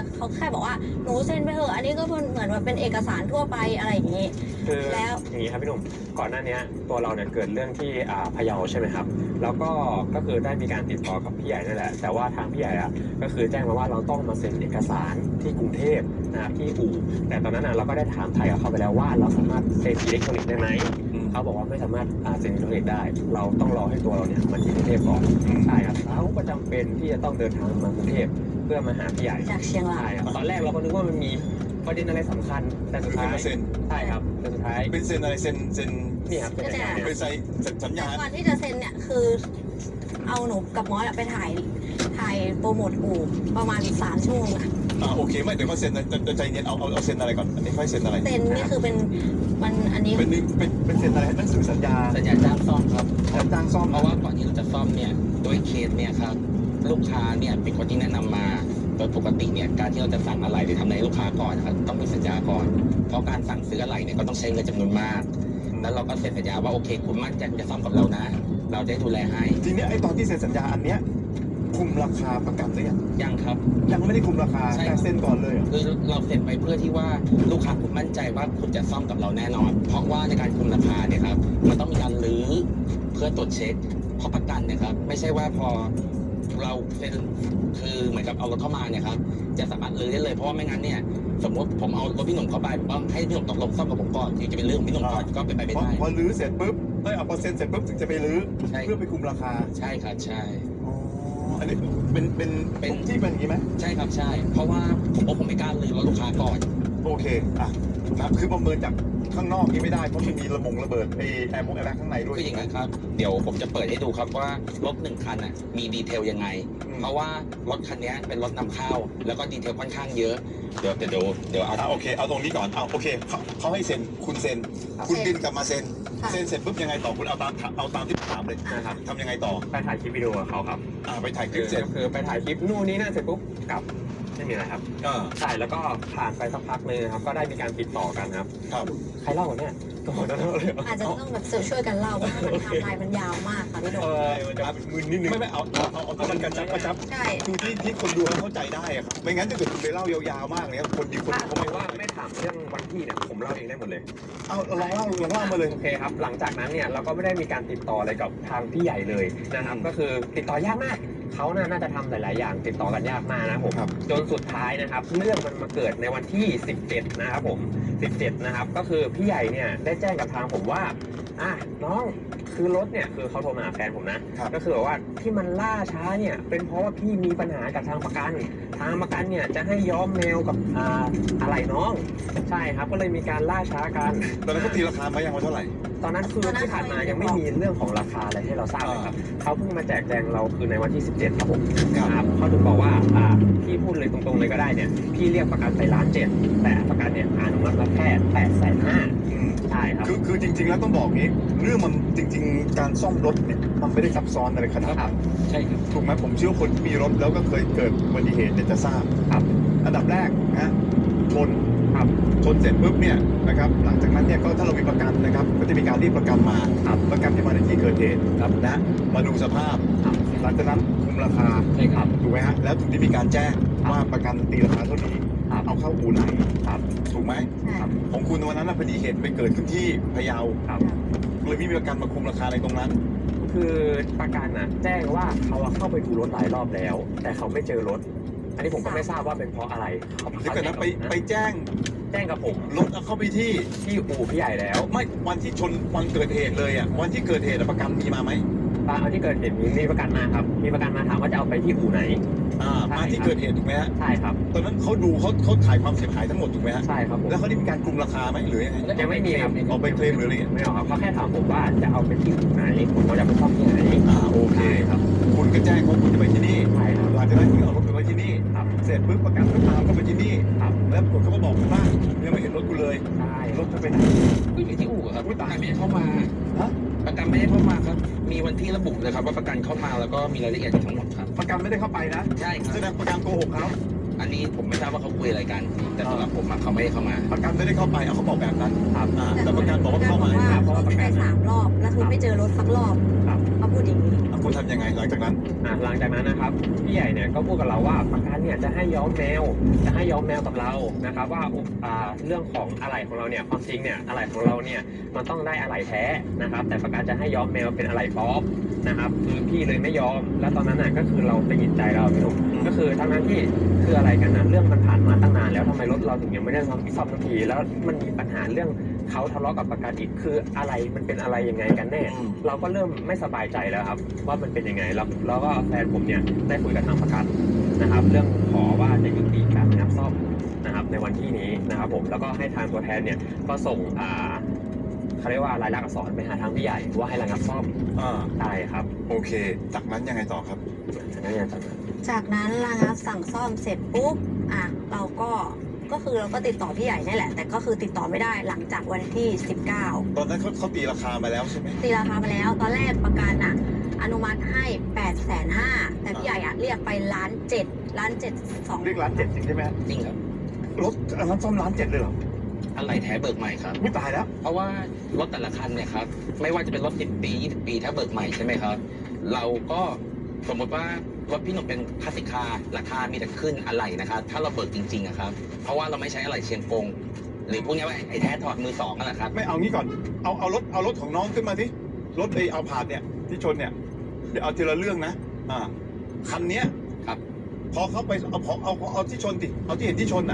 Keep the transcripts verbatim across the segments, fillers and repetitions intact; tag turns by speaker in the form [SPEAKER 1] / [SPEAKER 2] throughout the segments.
[SPEAKER 1] เขาแค่บอกว่าหนูเซ็นไปเถอะอันนี้ก็เหมือนว่าเป็นเอกสารทั่วไปอะไรอย่างนี้
[SPEAKER 2] คือแล้วอย่างนี้ครับพี่หนุ่มก่อนหน้านี้ตัวเราเนี่ยเกิดเรื่องที่อ่าพะเยาใช่ไหมครับแล้วก็ก็คือได้มีการติดต่อกับพี่ใหญ่นั่นแหละแต่ว่าทางพี่ใหญ่อะก็คือแจ้งมาว่าเราต้องมาเซ็นเอกสารที่กรุงเทพนะครับที่อู่แต่ตอนนั้นเราก็ได้ถามไทยกับเขาไปแล้วว่าเราสามารถเซ็นอิเล็กทรอนิกส์ได้ไหมเขาบอกว่าไม่สามารถเซ็นอิเล็กทรอนิกส์ได้เราต้องรอให้ตัวเราเนี่ยมาที่กรุงเทพก่อนใช่ครับเขาก็จำเป็นที่จะต้องเดินทางมากรุงเทพเพื่อมาหาพี่ใหญ่
[SPEAKER 1] จากเชียงราย
[SPEAKER 2] ตอนแรกเราก็นึกว่ามันมีประเด็นอะไรสำคัญแต่สุดท้าย
[SPEAKER 3] เซ็น
[SPEAKER 2] ใช่ครับแต่สุดท้าย
[SPEAKER 3] เป็นเซ็นอะไรเซ็นเซ็น
[SPEAKER 2] นี่ครับเป็นสัญญา
[SPEAKER 3] เป็นใส่สัญญา
[SPEAKER 1] ก่อนที่จะเซ็นเนี่ยคือเอาหนูกับมอสไปถ่ายถ่ายโปรโมทอู่ประมาณสามชั่วโมงอะ
[SPEAKER 3] อ่าโอเคไม่เดี๋ยวมาเซ็นจะใจเย็นเอาเอาเอาเซ็นอะไรก่อนอันนี้ค่อยเซ็นอะไร
[SPEAKER 1] เซ็นนี่คือเป็นมันอันนี้
[SPEAKER 3] เป็นเป็นเป็นเซ็นอะไรหนังสือสัญญา
[SPEAKER 4] สัญญาจ้างซ่อมครับ
[SPEAKER 3] จ้างซ่อม
[SPEAKER 4] เพราะว่าก่อนที่เราจะซ่อมเนี่ยโดยเคสเนี่ยครับลูกค้าเนี่ยเป็นคนที่แนะนำมาโดยปกติเนี่ยการที่เราจะสั่งอะไรหรือทำอะไรลูกค้าก่อนนะครับต้องมีสัญญาก่อนเพราะการสั่งซื้ออะไรเนี่ยก็ต้องใช้เงินจำนวนมากแล้วเราก็เซ็นสัญญาว่าโอเคคุณมั่นใจจะซ่อมกับเรานะเราจะดูแลให้
[SPEAKER 3] ทีนี้ไอ้ตอนที่เซ็นสัญญาอันเนี้ยคุมราคาประกันหรือยัง
[SPEAKER 4] ยังครับ
[SPEAKER 3] ยังไม่ได้คุมราคาแต่เซ็นก่อนเลย
[SPEAKER 4] คือเราเซ็นไปเพื่อที่ว่าลูกค้าคุณมั่นใจว่าคุณจะซ่อมกับเราแน่นอนเพราะว่าในการคุมราคาเนี่ยครับมันต้องมีการรื้อเพื่อตรวจเช็คเพราะประกันเนี่ยครับไม่ใช่ว่าพอเราเป็นคือเหมือนกับเอารถเข้ามาเนี่ยครับจะสามารถรื้อได้เลยเพราะว่าไม่งั้นเนี่ยสมมติผมเอารถพี่หนุ่มเข้าไปผมต้องให้พี่หนุ่มตกลงซ่อมกับผมก่อนที่จะเป็นเรื่องพี่หนุ่มก่อนก็เป็นไปไม่ได้
[SPEAKER 3] พอรื้อเสร็จปุ๊บเอ้ยเอาพอเซ็นเสร็จปุ๊บถึงจะไปรื้อเพื่อไปคุมราคา
[SPEAKER 4] ใช่ครับใช่
[SPEAKER 3] อันนี้เป็นเป็นเป็นที่เป็นอย่างนี้ไหม
[SPEAKER 4] ใช่ครับใช่เพราะว่าผมว่าผมไม่กล้ารื้อรถลูกค้าก่อน
[SPEAKER 3] โอเคอ่ะนะคือประเมินจากข้างนอกนี่ไม่ได้เพราะมันมีระบงระเบิดไอแอร์มงแอร์แบ็กข้างในด้วย
[SPEAKER 4] คืออย่างนั้นครับเดี๋ยวผมจะเปิดให้ดูครับว่ารถหนึ่งคันอ่ะมีดีเทลยังไงเพราะว่ารถคันนี้เป็นรถนำเข้าแล้วก็ดีเทลค่อนข้างเยอะเดี๋ยวเดี๋ยวเดี๋ยวเอา
[SPEAKER 3] โอเคเอาตรงนี้ก่อนเอาโอเคเขาให้เซ็นคุณเซ็นคุณบินกลับมาเซ็นเซ็นเสร็จปุ๊บยังไงต่อคุณเอาตามเอาตามที่ถามเลย
[SPEAKER 2] นะครับ
[SPEAKER 3] ทำยังไงต่อ
[SPEAKER 2] ไปถ่ายคลิปวิดีโอกับเขาครับ
[SPEAKER 3] อ่าไปถ่ายคลิปเสร็จ
[SPEAKER 2] คือไปถ่ายคลิปนู่นนี่นั่นเสร็จปุ๊บกลับไม่มีอะไรครับใช่แล้วก็ผ่านไปสักพักนึงครับก็ได้มีการติดต่อกันครับ
[SPEAKER 3] ครับ
[SPEAKER 2] ใครเล่าเนี่ยก็หัวหน้าเลย
[SPEAKER 1] อาจจะต้องแบบช่วยกันเล่าเพราะมันทำลายมันยาวมากค่ะพี่โดม
[SPEAKER 3] เออมันจะมึนนิดนึงไม่ไม่เอาเอาเอาเอามันกระชับกระชับ
[SPEAKER 1] ใช่
[SPEAKER 3] คือที่ที่คนดูเข้าใจได้ครับไม่งั้นถ้าเกิดคุณไปเล่ายาวๆมากเนี่ยคนดีคน
[SPEAKER 2] เขาไม่ว่าไม่ถามเรื่องวันที่เนี่ยผมเล่าเองได้หมดเลย
[SPEAKER 3] เอาลองเล่าลองเล่ามาเลย
[SPEAKER 2] โอเคครับหลังจากนั้นเนี่ยเราก็ไม่ได้มีการติดต่ออะไรกับทางพี่ใหญ่เลยนะครับก็คือติดต่อยากมากเขาน่าจะทำหลายๆอย่างติดต่อกันยากมากนะผมจนสุดท้ายนะครับเรื่องมันมาเกิดในวันที่สิบเจ็ดนะครับผมสิบเจ็ดนะครับก็คือพี่ใหญ่เนี่ยได้แจ้งกับทางผมว่าอ่ะน้องคือรถเนี่ยคือเขาโทรมาหาแฟนผมนะก็คือแบบว่าที่มันล่าช้าเนี่ยเป็นเพราะว่าพี่มีปัญหากับทางประกันทางประกันเนี่ยจะให้ย้อมแมวกับอ่าอะไรน้องใช่ครับก็เลยมีการล่าช้ากัน
[SPEAKER 3] ตอนนั้นก็ตีราคามายังว่าเท่าไหร่
[SPEAKER 2] ตอนนั้นคือที่ผ่านมายังไม่มีเรื่องของราคาอะไรให้เราทราบเลยครับเขาเพิ่งมาแจกแจงเราคือในวันที่สิบเจ็ดครับผมครับเขาถึงบอกว่าอ่าพี่พูดเลยตรงๆเลยก็ได้เนี่ยพี่เรียกประกันไปล้านเจ็ดแต่ประกันเนี่ยอนุมัติมาแค่แปดแสนห้าใช่ครับ
[SPEAKER 3] คือคือจริงๆแล้วต้องบอกนี้เรื่องมันจริงๆการซ่อมรถเนี่ยมันไม่ได้ซับซ้อนอะไรขนาดนั้น
[SPEAKER 2] ใช่ครับ
[SPEAKER 3] ถูกไหมผมเชื่อคนมีรถแล้วก็เคยเกิดอุบัติเหตุเนี่ยจะทราบ
[SPEAKER 2] ครับ
[SPEAKER 3] อันดับแรกนะชน
[SPEAKER 2] ครับ
[SPEAKER 3] ชนเสร็จปุ๊บเนี่ยนะครับหลังจากนั้นเนี่ยก็ถ้าเรามีประกันนะครับก็จะมีการเรียกประกันมาประกันจะมาในที่เกิดเหตุนะมาดูสภาพหลังจากนั้นคุมราคา
[SPEAKER 2] ใช่ครับ
[SPEAKER 3] ถูกไหมฮะแล้วถึงได้มีการแจ้งว่าประกันตีราคาเท่านี้เอาเข้าอู่ไหนถูกไหมของคุณวันนั้นพอดีเหตุไปเกิดขึ้นที่พะเยาเลยไม่มีประกันมาคุมราคาในตรงนั้น
[SPEAKER 2] คือประกันน่ะแจ้งว่าเขาเข้าไปดูรถหลายรอบแล้ว แต่เขาไม่เจอรถอันนี้ผมก็ไม่ทราบว่าเป็นเพราะอะไร
[SPEAKER 3] เดี๋ยวก่อนนะไปไปแจ้ง
[SPEAKER 2] แจ้งกับผม
[SPEAKER 3] รถเอาเข้าไปที่
[SPEAKER 2] ที่อู่พี่ใหญ่แล้ว
[SPEAKER 3] ไม่วันที่ชนวันเกิดเหตุเลยอ่ะวันที่เกิดเหตุประกันมีมาไหม
[SPEAKER 2] วันที่เกิดเหตุมีมีประกันมาครับมีประกันมาถามว่าจะเอาไปที่อู่ไหน
[SPEAKER 3] อ่ามาที่เกิดเหตุถูกไหมฮะ
[SPEAKER 2] ใช่ครับ
[SPEAKER 3] ตอนนั้นเขาดูเขาเขาถ่ายความเสียหายทั้งหมดถูกไหมฮะ
[SPEAKER 2] ใช่ครับ
[SPEAKER 3] แล้วเขาได้มีการคุมราคาไหมหรือยังไง
[SPEAKER 2] ยังไม่มีครับ
[SPEAKER 3] เอาไปเคลมหรืออะไร
[SPEAKER 2] ไม่เอาครับเขาแค่ถามผมว่าจะเอาไปที่อู่ไหนผมว่าจะไปซ่อมที่ไหน
[SPEAKER 3] อ่าโอเค
[SPEAKER 2] ครับ
[SPEAKER 3] คุณก็แจ้งว่าคุณจะไปที่นี่
[SPEAKER 2] ใช่ครับ
[SPEAKER 3] หลังจากนั้นคุณเอารถไปไว้ที่นี่เสร็จปุ๊บประกันก็ตามเข้าไปที่นี่แล้วปรากฏเขาก็บอกว่ายังไม่เห็นรถกูเลย
[SPEAKER 2] ใช่
[SPEAKER 3] รถจะไปไหน
[SPEAKER 4] ก็อยู่ที่อู่ครับประกันไม่ได้เข้ามาประกันไม่ได้เข้ามาครับมีวันที่ระบุเลยครับว่าประกันเข้ามาแล้วก็มีรายละเอียดทั้งหมดครับ
[SPEAKER 3] ประกันไม่ได้เข้าไปนะ
[SPEAKER 4] ใช่ครับ
[SPEAKER 3] แสดงประกันโกหกเขา
[SPEAKER 4] อันนี้ผมไม่ทราบว่าเขาคุยอะไรกันแต่สำหรับผมเขาไม่ได้เข้ามา
[SPEAKER 3] ประกันไม่ได้เข้าไปเอาเขาบอกแบบนั้น
[SPEAKER 2] ครับ
[SPEAKER 3] แต่ประกันบอกว่าเข้ามา
[SPEAKER 1] เพราะว่าประกันสามรอบแล้วคือไม่เจอรถสักรอบเอาพูดอย่างนี้
[SPEAKER 3] อ่ะคุณทำยังไงหลังจากนั้น
[SPEAKER 2] อ่ะหลังจากนั้นนะครับพี่ใหญ่เนี่ยก็พูดกับเราว่าประกันเนี่ยจะให้ย้อมแมวจะให้ย้อมแมวกับเรานะครับว่าอ่าเรื่องของอะไหล่ของเราเนี่ยความจริงเนี่ยอะไหล่ของเราเนี่ยมันต้องได้อะไหล่แท้นะครับแต่ประกันจะให้ย้อมแมวเป็นอะไหล่ปลอมนะครับคือพี่เลยไม่ยอมแล้วตอนนั้นน่ะก็คือเราไปยินใจเราพี่หนุ่มก็คือทั้งนั้นที่คืออะไรกันนะเรื่องมันผ่านมาตั้งนานแล้วทำไมรถเราถึงยังไม่ได้ซ่อมซ่อมทันทีแล้วมันมีปัญหาเรื่องเขาทะเลาะกับประกันอีกคืออะไรมันเป็นอะไรยังไงกันแน่
[SPEAKER 3] อืม
[SPEAKER 2] เราก็เริ่มไม่สบายใจแล้วครับว่ามันเป็นยังไงแล้วแล้วก็แฟนผมเนี่ยได้คุยกับทางประกันนะครับ เรื่องขอว่าจะยุติการงับซ่อมนะครับในวันที่นี้นะครับผมแล้วก็ให้ทางตัวแทนเนี่ยก็ส่งอ่าเขาเรียกว่าลายลักษณ์อักษรไปหาทางพี่ใหญ่ว่าให้ระงับซ่อม
[SPEAKER 3] อ่า
[SPEAKER 2] ได้ครับ
[SPEAKER 3] โอเค จากนั้นยังไงต่อครับ
[SPEAKER 2] จากนั้นเนี่ยจากนั้น
[SPEAKER 1] จากนั้นระงับสั่งซ่อมเสร็จปุ๊บอ่ะเราก็ก็คือเราก็ติดต่อพี่ใหญ่นี่แหละ แต่ก็คือติดต่อไม่ได้หลังจากวันที่สิบเก้า
[SPEAKER 3] ตอนนั้นเขาเขาตีราคามาแล้วใช่ไหม
[SPEAKER 1] ตีราคามาแล้ว ตอนแรกประกันอ่ะอนุมัติให้แปดแสนห้าแต่พี่ใหญ่อ่ะเรียกไปล้านเจ็ดล้านเจ็ดสอง
[SPEAKER 3] เรียกล้านเจ็ดจริงใช่ไหม
[SPEAKER 4] จริงครับ
[SPEAKER 3] รถอันนั้นซ่อมล้านเจ็ดเลยเหรอ
[SPEAKER 4] อะไรแท้เบิกใหม่ครับ
[SPEAKER 3] ไม่ตายแล้ว
[SPEAKER 4] เพราะว่ารถแต่ละคันเนี่ยครับไม่ว่าจะเป็นรถสิบปียี่สิบปีถ้าเบิกใหม่ใช่ไหมครับ เราก็สมมติว่ารถพี่หนุ่มเป็นคลาสสิกคาร์ราคามีแต่ขึ้นอะไหล่นะครับถ้าเราเบิกจริงๆอะครับเพราะว่าเราไม่ใช้อะไหล่เชียงกง หรือพวกนี้ว่าไอ้แท้ถอดมือสองนั่นแหละครับ
[SPEAKER 3] ไม่เอางี้ก่อน เอาเอารถเอารถของน้องขึ้นมาที่รถไอเอาผาดเนี่ยที่ชนเนี่ยเดี๋ยวเอาทีละเรื่องนะ อ่า คันเนี้ย
[SPEAKER 4] ครับ
[SPEAKER 3] พอเขาไปเอาเอาเอาเอาเอาที่ชนติเอาที่เห็นที่ชนน่ะ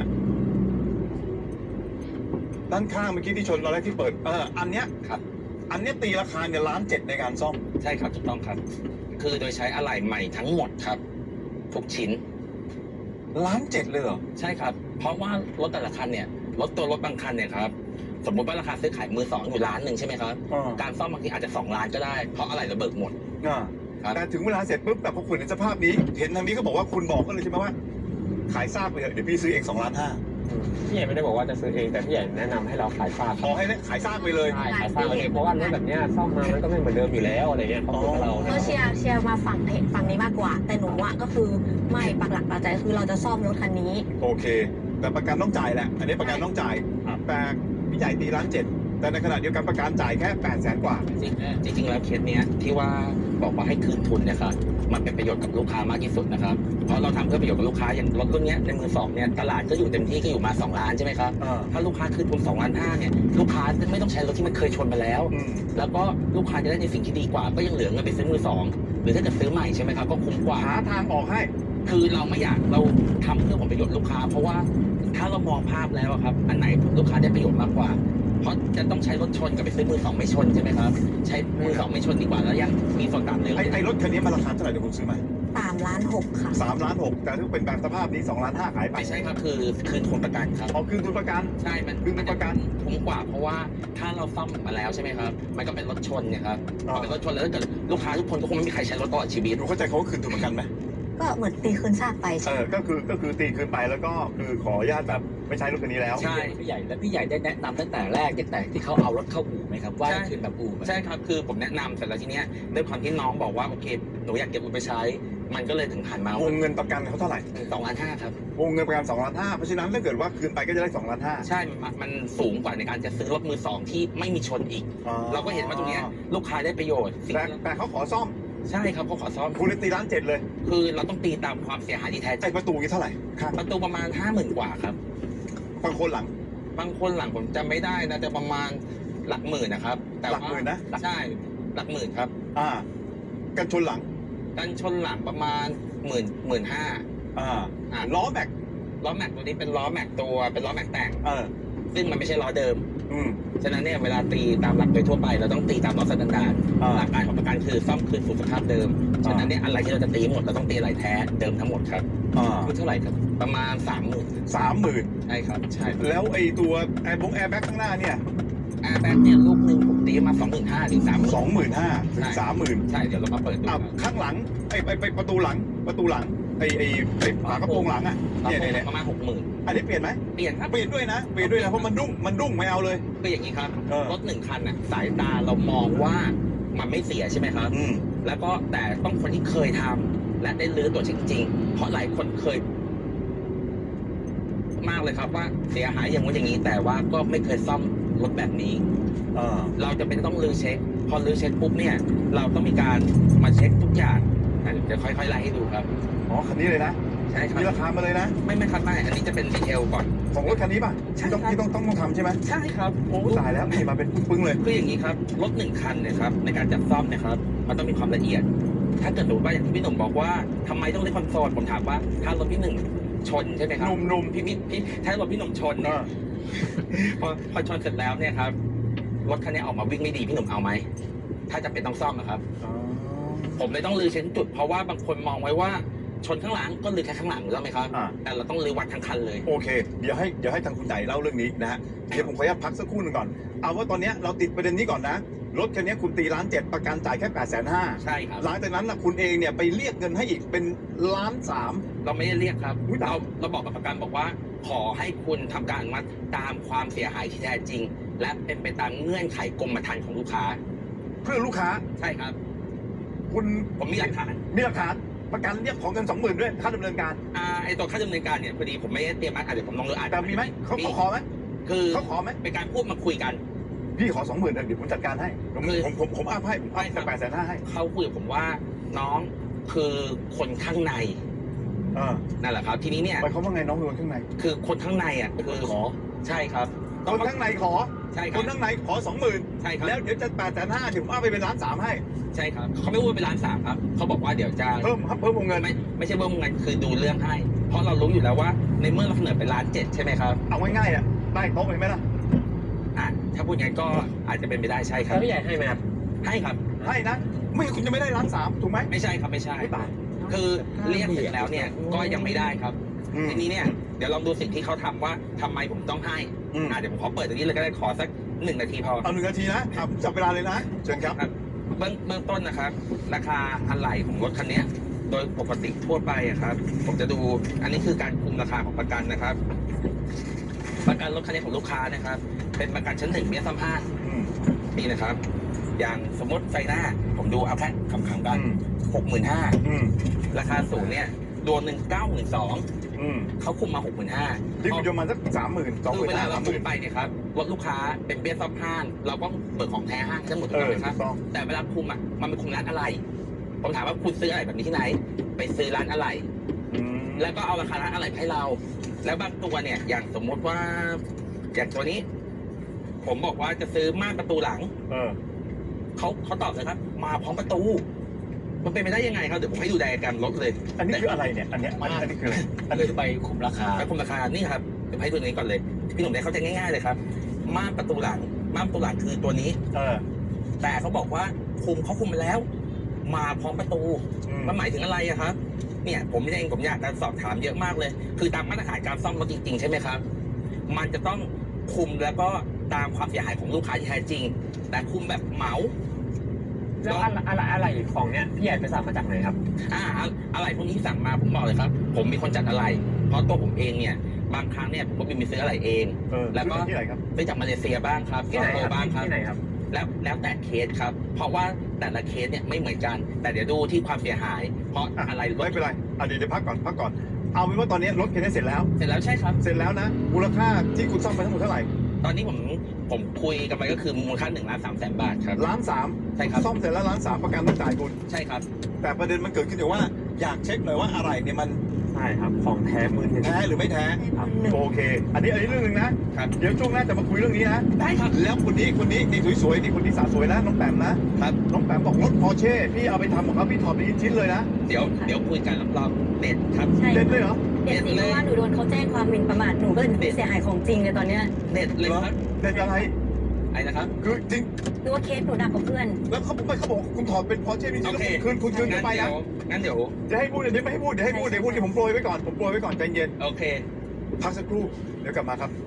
[SPEAKER 3] ด้านข้างเมื่อกี้ที่ชนตอนแรกที่เปิด เออ อันเนี้ย
[SPEAKER 4] ครับ
[SPEAKER 3] อันเนี้ยตีราคาเนี่ยล้านเจ็ดในการซ่อม
[SPEAKER 4] ใช่ครับถูกต้องครับ คือโดยใช้อะไหล่ใหม่ทั้งหมดครับทุกชิ้น
[SPEAKER 3] ล้านเจ็ดเลยเหรอ
[SPEAKER 4] ใช่ครับ เพราะว่ารถแต่ละคันเนี่ยรถตัวรถบางคันเนี่ยครับสมมติว่าราคาซื้อขายมือสองอยู่ล้านหนึ่งใช่ไหมครับ
[SPEAKER 3] อ่า
[SPEAKER 4] การซ่อมบางทีอาจจะสองล้านก็ได้เพราะอะไรเราเบิกหมด
[SPEAKER 3] อ่า
[SPEAKER 4] ครับ
[SPEAKER 3] แต่ถึงเวลาเสร็จปุ๊บแต่พอคุณเห็นสภาพนี้ เห็นทางนี้ก็บอกว่าคุณบอกก็เลยใช่ไหมว่า ขายซากไปเถอะเดี๋ยวพี่ซื้อเองสองล้านห้า
[SPEAKER 2] พี่ใหญ่ไม่ได้บอกว่าจะซื้อเองแต่พี่ใหญ่แนะนำให้เราขายฝาก
[SPEAKER 3] ขอให้ได้ขายซากไปเลย
[SPEAKER 2] ใช่ขายฝากเลยเพราะว่ารถแบบเนี้ยซ่อมมามันก็ไม่เหมือนเดิมอยู่แล้วอะไรเงี้ยเขาพูดกับเรา
[SPEAKER 1] ก็เชียร์เชียร์มาฝั่งเหตุฝั่งนี้มากกว่า แต่หนูอ่ะก็คือไม่ปักหลักปักใจคือเราจะซ่อมรถคันนี้
[SPEAKER 3] โอเค แต่ประกันต้องจ่ายแหละ อันนี้ประกันต้องจ่าย แต่พี่ใหญ่ตีล้านเจ็ดแต่ในขณะเดียวกันประกันจ่ายแค่แปดแสนกว่า
[SPEAKER 4] จริงจริงๆแล้วเคสเนี้ยที่ว่าบอกว่าให้คืนทุนเนี่ยครับมันเป็นประโยชน์กับลูกค้ามากที่สุดนะครับเพราะเราทำเพื่อประโยชน์กับลูกค้าอย่างรถรุ่นเนี้ยในมือสองเนี่ยตลาดก็อยู่เต็มที่ก็อยู่มาสองล้านใช่ไหมครับ
[SPEAKER 3] อ่า
[SPEAKER 4] ถ้าลูกค้าคืนทุนสองล้านห้าเนี่ยลูกค้าจะไม่ต้องใช้รถที่มันเคยชนมาแล้ว
[SPEAKER 3] อืม
[SPEAKER 4] แล้วก็ลูกค้าจะได้ในสิ่งที่ดีกว่าก็ยังเหลือเงินไปซื้อมือสองหรือถ้าเกิดซื้อใหม่ใช่ไหมครับก็คุ้มกว่า
[SPEAKER 3] หาทางออกให้
[SPEAKER 4] คือเราไม่อยากเราทำเพื่อผลประโยชน์ลูกค้า เพราะว่าถ้าเรามองภาพแล้วอะครับอันไหนลูกค้าได้ประโยชน์มากกว่า เพราะจะต้องใช้รถชนกับไปซื้อมือสองไม่ชนใช่ไหมครับใช้มือสองไม่ชนดีกว่าแล้วยังมีส่วนต่างเลย
[SPEAKER 3] ไอ้ไอ้รถคันนี้มันราคาเท่าไหร่เดี๋ยวคุณซื้อมา
[SPEAKER 1] สามล้านหกค่ะ
[SPEAKER 3] สามล้านหกแต่ถ้าเป็นแบบสภาพนี้สองล้านห้าขายไป
[SPEAKER 4] ไม่ใช่ครับคือคืนทุนประกันครับ
[SPEAKER 3] เอาคืนทุนประกัน
[SPEAKER 4] ใช่มัน
[SPEAKER 3] คืนทุนประกัน
[SPEAKER 4] คุ้มกว่าเพราะว่าถ้าเราซ่อมมาแล้วใช่ไหมครับมันก็เป็นรถชนเนี่ยครับพ
[SPEAKER 3] อ่า
[SPEAKER 4] อเป็นรถชนแล้วถ้าเกิดลูกค้าทุกคนก็คงไม่มีใครใช้รถตลอดชีวิต
[SPEAKER 3] ดูเข้าใจเขาว่าคืนทุนประกันไหม
[SPEAKER 1] ก็เหมือนตีคืนซากไป
[SPEAKER 3] เอ
[SPEAKER 1] ใช่ไหม
[SPEAKER 3] อ ก็คือ ก็คือตีคืนไปแล้วก็คือขออนุญาตแบบไม่ใช้รถคันนี้แล้ว
[SPEAKER 4] ใช่
[SPEAKER 5] พี่ใหญ่แล้วพี่ใหญ่ได้แนะนำตั้งแต่แรกตั้งแต่ที่เขาเอารถเข้าอู่ไหมครับว่าให้คืนแบบอู่ไหม
[SPEAKER 4] ใช่ครับคือผมแนะนำแต่แล้วทีเนี้ยด้วยความที่น้องบอกว่าโอเคหนูอยากเก็บเงินไปใช้ มันก็เลยถึงหันมาว
[SPEAKER 3] งเงินประกันเขาเท่าไหร่
[SPEAKER 4] สองล้านห้าครับ
[SPEAKER 3] วงเงินประกันสองล้านห้าเพราะฉะนั้นถ้าเกิดว่าคืนไปก็จะได้สองล้านห้า
[SPEAKER 4] ใช่มันมันสูงกว่าในการจะซื้อรถมือสองที่ไม่มีชนอีก เราก็เห็นว่าตรงเนี้ยลูกค้าได้ประโยชน์สิ่ง
[SPEAKER 3] แต่
[SPEAKER 4] ที่
[SPEAKER 3] แต่เขาขอซ่อม
[SPEAKER 4] ใช่ครับเขาขอซ่อม
[SPEAKER 3] คุณเลยตีล้านเจ็ดเลย
[SPEAKER 4] คือเราต้องตีตามความเสียหายที่แท้จริ
[SPEAKER 3] ไอ้
[SPEAKER 4] ง
[SPEAKER 3] ประตูนี้เท่าไหร่ข้าง
[SPEAKER 4] ประตูประมาณห้าหมื่นกว่าครับ
[SPEAKER 3] บางคนหลัง
[SPEAKER 4] บางคนหลังผมจำไม่ได้นะแต่ประมาณหลักหมื่นนะครับแต่
[SPEAKER 3] หลั
[SPEAKER 4] ว่าก
[SPEAKER 3] หมื่นนะ
[SPEAKER 4] ใช่หลักหมื่นครับ
[SPEAKER 3] อ่า กันชนหลัง
[SPEAKER 4] กันชนหลังประมาณหมื่นหมื่นห้า
[SPEAKER 3] อ่า
[SPEAKER 4] อ่า
[SPEAKER 3] ล้อแม็ก
[SPEAKER 4] ล้อแม็กตัวนี้เป็นล้อแม็กตัวเป็นล้อแม็กแต่ง
[SPEAKER 3] เออ
[SPEAKER 4] ซึ่งมันไม่ใช่ล้อเดิม
[SPEAKER 3] อืม
[SPEAKER 4] ฉะนั้นเนี่ยเวลาตีตามหลักโดยทั่วไปเราต้องตีตามล้อสแตนดาร์ด
[SPEAKER 3] อ่า
[SPEAKER 4] หลักการของประกันคือซ่อมคืนสู่สภาพเดิม
[SPEAKER 3] อ่า
[SPEAKER 4] ฉะนั้นเนี่ยอะไรที่เราจะตีหมดเราต้องตีอะไรแท้เดิมทั้งหมดครับ
[SPEAKER 3] อ่า
[SPEAKER 5] คือเท่าไหร่ครับ
[SPEAKER 4] ประมาณสามหมื่น
[SPEAKER 3] สามหมื่น
[SPEAKER 4] ใช่ครับใช่
[SPEAKER 3] แล้วไอ้ตัวแอร์บงแอร์แบ็กข้างหน้าเนี่ย
[SPEAKER 4] แอร์แบ็กเนี่ยลูกหนึ่งผมตีมาสองหมื่นห้าถึงสามหมื่น
[SPEAKER 3] สองหมื่นห้าถึงสามหมื่น
[SPEAKER 4] ใช่เดี๋ยวเรามาเปิดดู
[SPEAKER 3] อ่ะ
[SPEAKER 4] ครับ
[SPEAKER 3] ข้างหลังไอ้ไอ้ไอ้ประตูหลัง ประตูหลัง ไอ้ไอ้ไอ้ฝากระโปรงหลังอ่ะ เนี่ยเนี่ยเนี่ย
[SPEAKER 4] ประมาณหกหมื่น
[SPEAKER 3] อันนี้เปลี่ยนไหม
[SPEAKER 4] เปลี่ยนครับ
[SPEAKER 3] เปลี่ยนด้วยนะ เปลี่ยนด้วยนะ เพราะมันดุ้ง มันดุ้งไม่เอาเลย
[SPEAKER 4] คืออย่างนี้ครับ
[SPEAKER 3] เออ
[SPEAKER 4] รถหนึ่งคันน่ะสายตาเรามองว่ามันไม่เสียใช่ไหมครับ
[SPEAKER 3] อืม
[SPEAKER 4] แล้วก็แต่ต้องคนที่เคยทำและได้ลื้อตัวจริงๆ เพราะหลายคนเคย มากเลยครับว่าเสียหายอย่างนู้นอย่างนี้ แต่ว่าก็ไม่เคยซ่อมรถแบบนี้
[SPEAKER 3] อ่า
[SPEAKER 4] เราจะเป็นต้องลื้อเช็คพอรื้อเช็คปุ๊บเนี่ยเราต้องมีการมาเช็คทุกอย่างอ่ะเดี๋ยวจะค่อยๆไล่ให้ดูครับ
[SPEAKER 3] อ๋อคันนี้เลยนะ
[SPEAKER 4] ใช่ครับ
[SPEAKER 3] มีราคามาเลยนะ
[SPEAKER 4] ไม่ไม่ครับไม่อันนี้จะเป็นดีเทลก่อน
[SPEAKER 3] ของรถคันนี้ป่ะ
[SPEAKER 4] ใช่
[SPEAKER 3] ที่ต้อง
[SPEAKER 4] ครับ
[SPEAKER 3] ที่ต้องต้องต้องทำใช่ไหม
[SPEAKER 4] ใช่ครับ
[SPEAKER 3] โอ้ตายแล้วนี่มาเป็นปึ้งๆเลย
[SPEAKER 4] คืออย่างนี้ครับรถหนึ่งคันเนี่ยครับในการจัดซ่อมเนะครับมันต้องมีความละเอียด ถ้าเกิดสมมติว่าอย่างที่พี่หนุ่มบอกว่าทำไมต้องเล่นคอนโซลผมถามว่าถ้ารถพี่หนึ่งชนใช่ไหมครับ
[SPEAKER 3] หนุ่ม
[SPEAKER 4] พี่พี่พี่ถ้ารถพี่หนุ่มชน
[SPEAKER 3] ๆ
[SPEAKER 4] เนี่
[SPEAKER 3] เอย อ
[SPEAKER 4] พอพอชนเสร็จแล้วเนี่ยครับรถคันนี้ออกมาวิ่งไม่ดีพี่หนุ่มเอาไหมถ้าจะเป็นต้องซ่อมนะครับ
[SPEAKER 3] อ๋อ
[SPEAKER 4] ผมเลยต้องรื้อเช็คจุด เพราะว่าบางคนมองไว้ว่าชนข้างหลังก็รื้อแค่ข้างหลังถูกต้องไหมครับ
[SPEAKER 3] อ่า
[SPEAKER 4] แต่เราต้องรื้อวัดทั้งคันเลย
[SPEAKER 3] โอเค เดี๋ยวให้เดี๋ยวให้ทางคุณไก่เล่าเรื่องนี้นะฮะ เดี๋ยวผมขออนุญาตพักสักครู่หนึ่งก่อน เอาว่าตอนเนี้ยเราติดประเด็นนี้ก่อนนะ รถคันนี้คุณตีล้านเจ็ดประกันจ่ายแค่แปดแสนห้า
[SPEAKER 4] ใช่ครับ
[SPEAKER 3] หลังจากนั้นนะคุณเองเนี่ยไปเรียกเงินให้อีกเป็นล้านสาม
[SPEAKER 4] เราไม่ได้เรียกครับ
[SPEAKER 3] อุ๊ยตาย
[SPEAKER 4] เราเราบอกกับประกันบอกว่า ขอให้คุณทำการอนุมัติตามความเสียหายที่แท้จริง และเป็นไปตามเงื่อนไขกรมธรรม์ของลูกค้า
[SPEAKER 3] เพื่อลูกค้า
[SPEAKER 4] ใช่ครับ
[SPEAKER 3] คุณ
[SPEAKER 4] ผมมีหลักฐาน
[SPEAKER 3] มีหลักฐานประกันเรียกของเงินสองหมื่นด้วยค่าดำเนินการ
[SPEAKER 4] อ่าไอตัวค่าดำเนินการเนี่ยพอดีผมไม่ได้เตรียมมาอ่ะเดี๋ยวผมลองดูอ่าน
[SPEAKER 3] แต่มีไหมเขาเขาขอไหม
[SPEAKER 4] คือ
[SPEAKER 3] เขาขอไหม
[SPEAKER 4] เป็นการพูดมาคุยกัน
[SPEAKER 3] พี่ขอสองหมื่นเดี๋ยวผมจัดการให้ผม
[SPEAKER 4] คือ
[SPEAKER 3] ผมผมผมอัพให้ผมอัพ
[SPEAKER 4] ใช่ครั
[SPEAKER 3] จาก
[SPEAKER 4] บ
[SPEAKER 3] แปดแสนห้าให้
[SPEAKER 4] เขาคุยกับผมว่าน้องคือคนข้างใน
[SPEAKER 3] เออ
[SPEAKER 4] นั่นแหละครับ ทีนี้เนี่ย
[SPEAKER 3] หมายความว่าไงน้องเป็นคนข้างใน
[SPEAKER 4] คือคนข้างในอ่ะคือ
[SPEAKER 5] ขอ
[SPEAKER 4] ใช่ครับ
[SPEAKER 3] คนข้างในขอ
[SPEAKER 4] ใช่ค
[SPEAKER 3] ครับ นข้างในขอสองหมื่น
[SPEAKER 4] ใช่ครับ
[SPEAKER 3] แล้วเดี๋ยวจะแปดแสนห้าเดี๋ยวผมเอาไปเป็นล้านสามให้
[SPEAKER 4] ใช่ครับเขาไม่พูดเป็นล้านสามครับเขาบอกว่าเดี๋ยวจะ
[SPEAKER 3] เพิ่มครับเพิ่มวงเงิน
[SPEAKER 4] ไม่ไม่ใช่เบิ้มเงินคือดูเรื่องให้ เพราะเรารู้อยู่แล้วว่าในเมื่อเราเสนอเป็นล้านเจ็ดใช่ไหมครับ
[SPEAKER 3] เอาง่ายๆอ่ะได้โต๊ะเห็นไหมล่ะ
[SPEAKER 4] อ่ะถ้าพูดงั้นก็อาจจะเป็นไปได้ใช่ครั
[SPEAKER 2] แล้
[SPEAKER 4] บ
[SPEAKER 2] วพี่ใหญ่ให้ไหมครับ
[SPEAKER 4] ให้ครับ
[SPEAKER 3] ให้นะ ไม่งั้นคุณจะไม่ได้ล้านสามถูกไหม
[SPEAKER 4] ไม่ใช่ครับไม่ใช่
[SPEAKER 3] ไม่ตาย
[SPEAKER 4] คือเรียกเสร็จแล้วเนี่ยก็ยังไม่ได้ครับ
[SPEAKER 3] อืม
[SPEAKER 4] ทีนี้เนี่ยเดี๋ยวลองดูสิ่งที่เขาทำว่าทำไมผมต้องให้
[SPEAKER 3] อืม
[SPEAKER 4] อ่ะเดี๋ยวผมขอเปิดตรงนี้เลยก็ได้ขอสักหนึ่งนาทีพอ
[SPEAKER 3] เอาหนึ่งนาทีนะอ่ะผมจับเวลาเลยนะเชิญครับ
[SPEAKER 4] เบื้องเบื้องต้นนะครับ ราคาอะไหล่ของรถคันเนี้ยโดยปกติทั่วไปอะครับ ผมจะดูอันนี้คือการคุมราคาของประกันนะครับ ประกันรถคันนี้ของลูกค้านะครับ เป็นประกันชั้นหนึ่งเบี้ยซ้ำห้า
[SPEAKER 3] อืม
[SPEAKER 4] นี่นะครับ อย่างสมมติไฟหน้า ผมดูเอาแค่คำๆกัน
[SPEAKER 3] อืม
[SPEAKER 4] หกหมื่นห้า
[SPEAKER 3] อืม
[SPEAKER 4] ราคาศูนย์เนี่ยดวงหนึ่งเก้าหมื่นสอง
[SPEAKER 3] อืม
[SPEAKER 4] เขาคุมมาหกหมื่นห้า
[SPEAKER 3] ที่คุณจะมาสักสามหมื่นสองห
[SPEAKER 4] คือ
[SPEAKER 3] มื่น
[SPEAKER 4] เวลา
[SPEAKER 3] ห้า
[SPEAKER 4] เรา
[SPEAKER 3] สามห
[SPEAKER 4] คุ
[SPEAKER 3] มื่
[SPEAKER 4] ม
[SPEAKER 3] น
[SPEAKER 4] ไปเนี่ยครับรถลูกค้าเป็นเบี้ยซ้ำห้างเราต้องเบิกของแท้ห้างทั้งหมดถู
[SPEAKER 3] เอก
[SPEAKER 4] ต้อง
[SPEAKER 3] อ
[SPEAKER 4] ไหมค
[SPEAKER 3] ถู
[SPEAKER 4] รับ
[SPEAKER 3] กต้อง
[SPEAKER 4] แต่เวลาคุมอ่ะมันเป็นคุมร้านอะไร ผมถามว่าคุณซื้ออะไรแบบนี้ที่ไหน ไปซื้อร้านอะไร
[SPEAKER 3] อืม
[SPEAKER 4] แล้วก็เอาราคาร้านอะไรให้เรา แล้วบางตัวเนี่ยอย่างสมมติว่าอย่างตัวนี้ ผมบอกว่าจะซื้อม่านประตูหลัง
[SPEAKER 3] เออ
[SPEAKER 4] เขาเขาตอบเลยครับ มาพร้อมประตู มันเป็นไปได้ยังไงครับเดี๋ยวผมให้ดูไดอะแกรมรถเลย
[SPEAKER 3] อันนี้คืออะไรเนี่ย อันเนี้ยอันนี้คืออะไร
[SPEAKER 5] อันนี้ไปคุมราคา
[SPEAKER 4] ไปคุมราคานี่ครับเดี๋ยวให้ดูตรงนี้ก่อนเลยพี่หนุ่มได้เข้าใจง่ายๆเลยครับม่านประตูหลังม่านประตูหลังคือตัวนี้
[SPEAKER 3] เออ
[SPEAKER 4] แต่เขาบอกว่าคุมเขาคุมไปแล้ว มาพร้อมประตู
[SPEAKER 3] อืม
[SPEAKER 4] มันหมายถึงอะไรอะครับ เนี่ยผมเองผมอยากจะสอบถามเยอะมากเลย คือตามมาตรฐานการซ่อมรถจริงๆใช่ไหมครับ มันจะต้องคุมแล้วก็ตามความเสียหายของลูกค้าที่แท้จริง แต่คุมแบบเหมา
[SPEAKER 2] แล้วอะไรอะไรอะไรของเนี้ยพี่ใหญ่ไปสั่งมาจากไหนครับ
[SPEAKER 4] อ่าอะไรพวกนี้สั่งมาผมบอกเลยครับ ผมมีคนจัดอะไร เพราะตัวผมเองเนี่ยบางครั้งเนี่ยผมก็มีซื้ออะไรเอง
[SPEAKER 3] เออ
[SPEAKER 4] แล้วก็
[SPEAKER 3] ที่ไหนครับ
[SPEAKER 4] ซื้อจากมาเลเซียบ้างครับ
[SPEAKER 2] ที่ไหน
[SPEAKER 4] สิงค
[SPEAKER 2] ค
[SPEAKER 4] โป
[SPEAKER 2] รับ
[SPEAKER 4] ร์บ้างครับ
[SPEAKER 2] ที่ไหนครับ
[SPEAKER 4] แล้วแล้วแต่เคสครับ เพราะว่าแต่ละเคสเนี่ยไม่เหมือนกัน แต่เดี๋ยวดูที่ความเสียหาย เพราะ
[SPEAKER 3] อ่ะ
[SPEAKER 4] อะไรรถ
[SPEAKER 3] ไม่เป็นไรอ่ะเดี๋ยวจะพักก่อนพักก่อน เอาเป็นว่าตอนนี้รถคันนี้เสร็จแล้ว
[SPEAKER 4] เสร็จแล้วใช่ครับ
[SPEAKER 3] เสร็จแล้วนะ มูลค่าที่คุณซ่อมไปทั้งหมดเท่าไหร่
[SPEAKER 4] ตอนนี้ผมผมคุยกันไปก็คือมูลค่าหนึ่งล้านสามแสนบาทครับ
[SPEAKER 3] ล้านสาม
[SPEAKER 4] ใช่ครับ
[SPEAKER 3] ซ่อมเสร็จแล้วล้านสามประกันต้องจ่ายคุณ
[SPEAKER 4] ใช่ครับ
[SPEAKER 3] แต่ประเด็นมันเกิดขึ้นอยู่ว่าอยากเช็คหน่อยว่าอะไรเนี่ยมัน
[SPEAKER 2] ใช่ครับ ของแท้มือหนึ่ง
[SPEAKER 3] แท้หรือไม่แท้
[SPEAKER 1] ให้หนึ่ง
[SPEAKER 3] โอเค อันนี้อันนี้เรื่องหนึ่งนะ
[SPEAKER 4] ครับ
[SPEAKER 3] เดี๋ยวช่วงหน้าจะมาคุยเรื่องนี้นะ
[SPEAKER 4] ได้ครับ
[SPEAKER 3] แล้วคนนี้คนนี้นี่สวยๆนี่คนนี้สาวสวยนะน้องแปมนะครับ น้องแปมบอกรถพอร์เช่พี่เอาไปทำของเขาพี่ถอดไปชิ้นเลยนะ
[SPEAKER 4] เดี๋ยวเดี๋ยวคุยกันรับรองเด็ดครับ
[SPEAKER 1] ใช่
[SPEAKER 3] เด็ดเลยเหรอ
[SPEAKER 1] เด็ดสิเพราะว่าหนูโดนเขาแจ้งความหมิ่นประมาทหนูก็เลยเป็นผู้เสียหายของจริงเลยตอนเนี้ย
[SPEAKER 4] เด็ดเลยครับ
[SPEAKER 3] เด็ดอะไร
[SPEAKER 4] ไอ้นะครับ
[SPEAKER 3] คือจริง
[SPEAKER 1] หรือว่าเคสหนูดักกับเพื่อน
[SPEAKER 3] แล้วเขาบอกไม่เขาบอกคุณถอดเป็นพอร์เช่พี่ชิ้น
[SPEAKER 4] โอ
[SPEAKER 3] แล้ว
[SPEAKER 4] เค
[SPEAKER 3] คุณคืนคุณคืนเข้าไป
[SPEAKER 4] งั้น
[SPEAKER 3] นะ
[SPEAKER 4] เดี๋ยวงั้นเดี๋ยว
[SPEAKER 3] จะให้พูดเดี๋ยวไม่ให้พูดเดี๋ยวให้พูดเดี๋ยวพูดเดี๋ยวผมโปรยไว้ก่อนผมโปรยไว้ก่อนใจเย็น
[SPEAKER 4] โอเค
[SPEAKER 3] พักสักครู่เดี๋ยวกลับมาครับ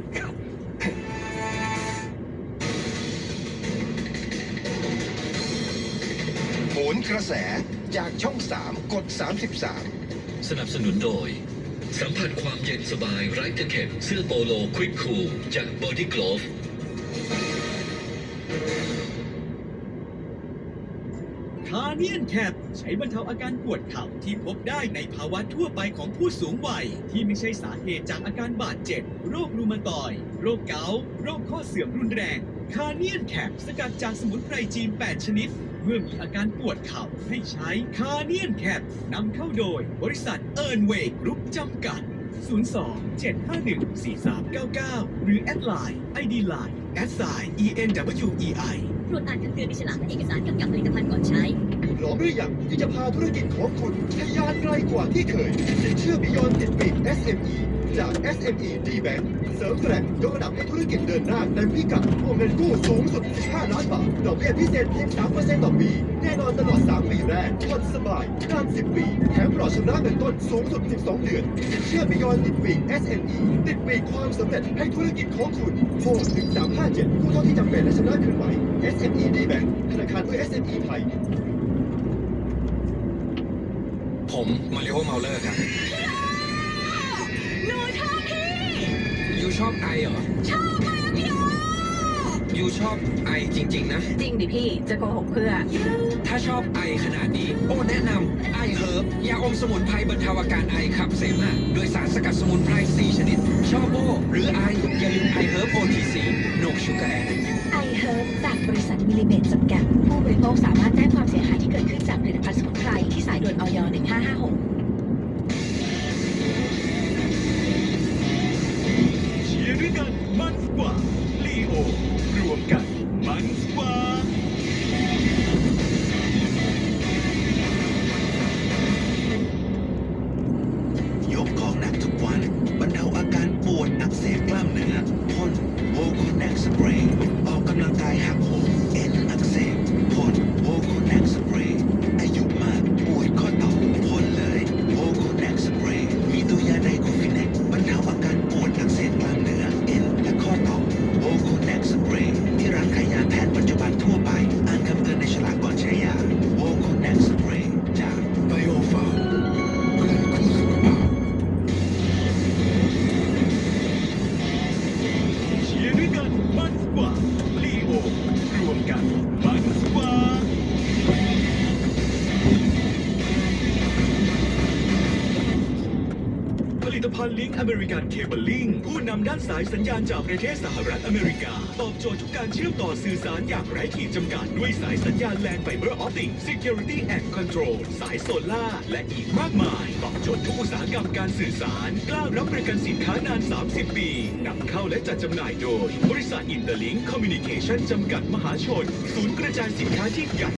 [SPEAKER 6] โหนกระแสจากช่องสามกดสามสิบสาม
[SPEAKER 7] สนับสนุนโดย สัมผัสความเย็นสบายไร้ตะเข็บเสื้อโปโลควิกคูลจากบอดี้กลอฟ
[SPEAKER 5] คา
[SPEAKER 8] เนียนแคปใช้บรรเทาอาการปวดเข่าที่พบได้ในภาวะทั่วไปของผู้สูงวัยที่ไม่ใช่สาเหตุจากอาการบาดเจ็บโรครูมาตอยด์โรคเกาต์โรคข้อเสื่อมรุนแรงคาเนียนแคปสกัดจากสมุนไพรจีน แปด ชนิดเมื่อมีอาการปวดเข่าให้ใช้คาเนียนแคปนำเข้าโดยบริษัทเอิร์นเวย์กรุ๊ปจำกัด ศูนย์ สอง เจ็ด ห้า หนึ่ง สี่ สาม เก้า เก้า หรือแอดไลน์ ไอ ดี ไลน์ แอดไซน์ อี เอ็น ดับเบิลยู อี ไอ
[SPEAKER 9] ตรวจอ่านคำเตือนในฉลากและเอกสารกำกับผลิตภัณฑ์ก่อนใช้
[SPEAKER 6] พร้อมหรือยังที่จะพาธุรกิจของคุณทะยานไกลกว่าที่เคยสินเชื่อ Beyond ติดปีก เอส เอ็ม อี จาก เอส เอ็ม อี D-Bank เสริมแกร่งยกระดับให้ธุรกิจเดินหน้าเต็มพิกัดวงเงินกู้สูงสุด สิบห้า ล้านบาทดอกเบี้ยพิเศษเพียง สามเปอร์เซ็นต์ ต่อปี แน่นอนตลอด สาม ปีแรกผ่อนสบายนาน สิบ ปี แถมปลอดชำระเงินต้นสูงสุด สิบสอง เดือนสินเชื่อ Beyond ติดปีก เอส เอ็ม อี ติดปีกความสำเร็จให้ธุรกิจของคุณโทรหนึ่ง สาม ห้า เจ็ดกู้เท่าที่จำเป็นและชำระคืนไหว เอส เอ็ม อี D-Bank ธนาคารเพื่อ เอส เอ็ม อี ไทย
[SPEAKER 4] ผมมาริโอเมาเลอร์ครับ
[SPEAKER 9] หนูชอบพี่
[SPEAKER 4] ยูชอบไอเหรอ
[SPEAKER 9] ชอบมากพี่โอ
[SPEAKER 4] ยูชอบไอจริงๆนะ
[SPEAKER 1] จริงดิพี่จะโกหกเพื่อ
[SPEAKER 4] ถ้าชอบไอขนาดนี้ โอ้แนะนำไอเฮิร์บยาอมสมุนไพรบรรเทาอาการไอขับเสมหะโดยสารสกัดสมุนไพร สี่ ชนิด ชอบโอหรือไอ อย่าลืมไอเฮิร์บ โอ ที ซี โนชูการ์แอน
[SPEAKER 9] ไอเฮิร์บจากบริษัทมิลลิเมตรจำกัด ผู้บริโภคสามารถแจ้งความเสียหายที่เกิดขึ้นจากผลิตภัณฑ์สมุนไพรที่สายด่วนอย หนึ่ง ห้า ห้า หก
[SPEAKER 8] เชียร์ด้วยกันมันกว่าลีโอรวมกันมันกว่า
[SPEAKER 6] ยกของหนักทุกวันบรรเทาอาการปวดอักเสบกล้ามเนื้อพ่นโวโคแนกสเปรย์ออกกำลังกายหักโหมเอ็นอักเสบพ่นโวโคแนกสเปรย์อายุมากปวดข้อต่อพ่นเลยโวโคแนกสเปรย์มีตัวยาไดโคฟินแนกบรรเทาอาการปวดอักเสบกล้ามเนื้อเอ็นและข้อต่อโวโคแนกสเปรย์ที่ร้านขายยาแพทย์ปัจจุบันทั่วไปอ่านคำเตือนในฉลากก่อนใช้ยาโวโคแนกสเปรย์จากไบโอฟาร์มเพื่อนคู่สุขภาพ
[SPEAKER 8] เชียร์ด้วยกันมันกว่าลีโอรวมกันมันกว่าผลิตภัณฑ์ลิงก์อเมริกันเคเบิลลิงผู้นำด้านสายสัญญาณจากประเทศสหรัฐอเมริกา ตอบโจทย์ทุกการเชื่อมต่อสื่อสารอย่างไร้ขีดจำกัด ด้วยสายสัญญาณแลนไฟเบอร์ออปติก Security and Control สายโซล่าร์และอีกมากมาย ตอบโจทย์ทุกอุตสาหกรรมการสื่อสาร กล้ารับประกันสินค้านาน สามสิบ ปีนำเข้าและจัดจำหน่ายโดย บริษัทอินเตอร์ลิงก์คอมมิวนิเคชั่นจำกัดมหาชน ศูนย์กระจายสินค้าที่ใหญ่